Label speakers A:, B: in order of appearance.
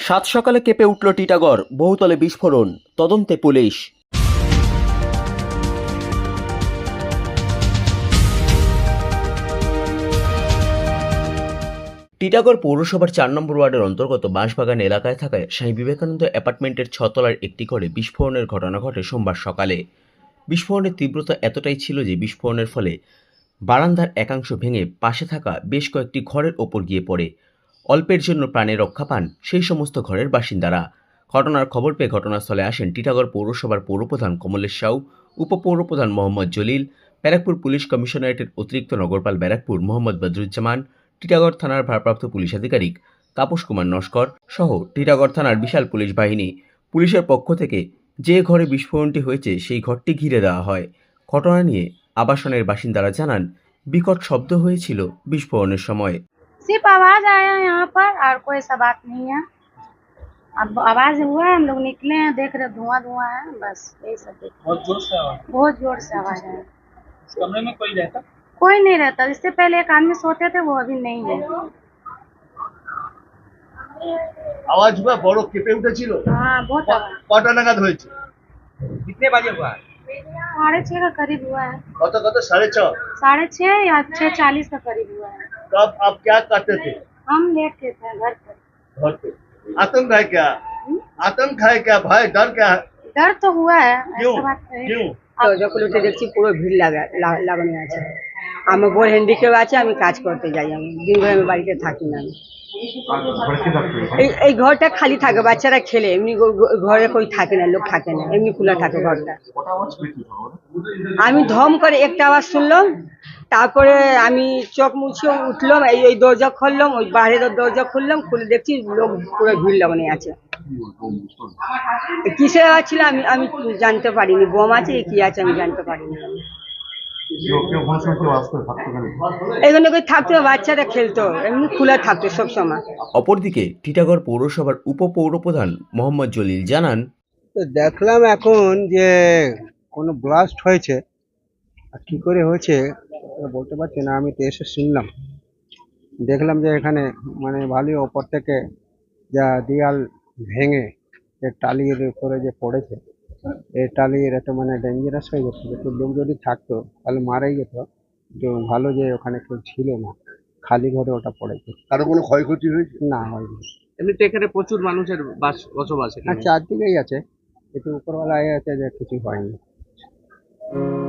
A: সাত সকালে কেঁপে উঠল টিটাগড়, বহুতলে বিস্ফোরণ, তদন্তে পুলিশ। টিটাগড় পৌরসভার 4 নম্বর ওয়ার্ডের অন্তর্গত বাঁশবাগান এলাকায় থাকা স্বামী বিবেকানন্দ অ্যাপার্টমেন্টের 6 তলার একটি ঘরে বিস্ফোরণের ঘটনা ঘটে সোমবার সকালে। বিস্ফোরণের তীব্রতা এতটাই ছিল যে বিস্ফোরণের ফলে বারান্দার একাংশ ভেঙে পাশে থাকা বেশ কয়েকটি ঘরের ওপর গিয়ে পড়ে। অল্পের জন্য প্রাণে রক্ষা পান সেই সমস্ত ঘরের বাসিন্দারা। ঘটনার খবর পেয়ে ঘটনাস্থলে আসেন টিটাগড় পৌরসভার পৌরপ্রধান কমলেশ সাউ, উপপৌরপ্রধান মোহাম্মদ জলিল, ব্যারাকপুর পুলিশ কমিশনারেটের অতিরিক্ত নগরপাল ব্যারাকপুর মোহাম্মদ বদরুজ্জামান, টিটাগড় থানার ভারপ্রাপ্ত পুলিশ আধিকারিক তাপস কুমার নস্কর সহ টিটাগড় থানার বিশাল পুলিশ বাহিনী। পুলিশের পক্ষ থেকে যে ঘরে বিস্ফোরণটি হয়েছে সেই ঘরটি ঘিরে দেওয়া হয়। ঘটনা নিয়ে আবাসনের বাসিন্দারা জানান, বিকট শব্দ হয়েছিল বিস্ফোরণের সময়।
B: सिर्फ आवाज आया यहाँ पर और कोई सा बात नहीं है। अब आवाज हुआ, हम लोग निकले हैं, देख रहे धुआं धुआं है, बस यही सब देख। बहुत जोर से आवाज है।
C: कमरे में कोई रहता?
B: कोई नहीं रहता। इससे पहले एक आदमी सोते थे, वो अभी नहीं है।
D: আওয়াজ हुआ বড় কেঁপে উঠেছিল।
B: हाँ बहुत आवाज।
D: কটা নাগাদ হয়েছে?
C: कितने बजे हुआ?
B: 6:30 का करीब हुआ है।
D: কত 6:30?
B: 6:30 या 6:40 का करीब हुआ है।
D: तब आप क्या करते थे?
B: हम लेटे थे घर पर।
D: घर पे आतंक है क्या? आतंक है क्या? भय डर क्या है?
B: डर तो हुआ है,
D: क्यों
B: ऐसा बात नहीं।
D: क्यों?
E: দরজা খুলে উঠে দেখছি পুরো ভিড় লাগানো আছে। আমার বোন হ্যান্ডিক্যাপ আছে, আমি কাজ করতে যাই, আমি দিন ভর আমি বাড়িতে থাকি না। এই ঘরটা খালি থাকে, বাচ্চারা খেলে, এমনি ঘরে কই থাকে না, লোক থাকে না, এমনি খোলা থাকে ঘরটা। আমি ধম করে একটা আওয়াজ শুনলাম, তারপরে আমি চোখ মুছে উঠলাম, এই দরজা খুললাম, ওই বাইরের দরজা খুললাম, খুলে দেখছি লোক পুরো ভিড় লাগানো আছে। কিসের আওয়াজ ছিল আমি জানতে পারিনি, বোম আছে কি আছে আমি জানতে পারিনি। এখানে কই থাকতো, বাচ্চারা খেলতো, এমনি খোলা থাকতো সব সময়।
A: অপরদিকে টিটাগড় পৌরসভার উপপৌরপ্রধান মোহাম্মদ জলিল জানান,
F: তো দেখলাম এখন যে কোনো ব্লাস্ট হয়েছে, আর কি করে হয়েছে বলতে পারছি না। আমি তো এসে শুনলাম, দেখলাম যে এখানে মানে ভালোই ওপর থেকে যা দেয়াল ভেঙে যে টালির উপরে যে পড়েছে, এই টালির একটা মানে ডেঞ্জারাস হয়ে গেছে। একটু লোক যদি থাকতো তাহলে মারাই যেত। তো ভালো যে ওখানে কেউ ছিল না, খালি ঘরে ওটা পড়েছে।
D: কারো কোনো ক্ষয়ক্ষতি হয়েছে?
F: না, হয়নি।
C: এমনিতে এখানে প্রচুর মানুষের বসবাস।
F: আর চারদিকেই আছে, একটু উপরওয়ালা আছে যে কিছু হয়নি।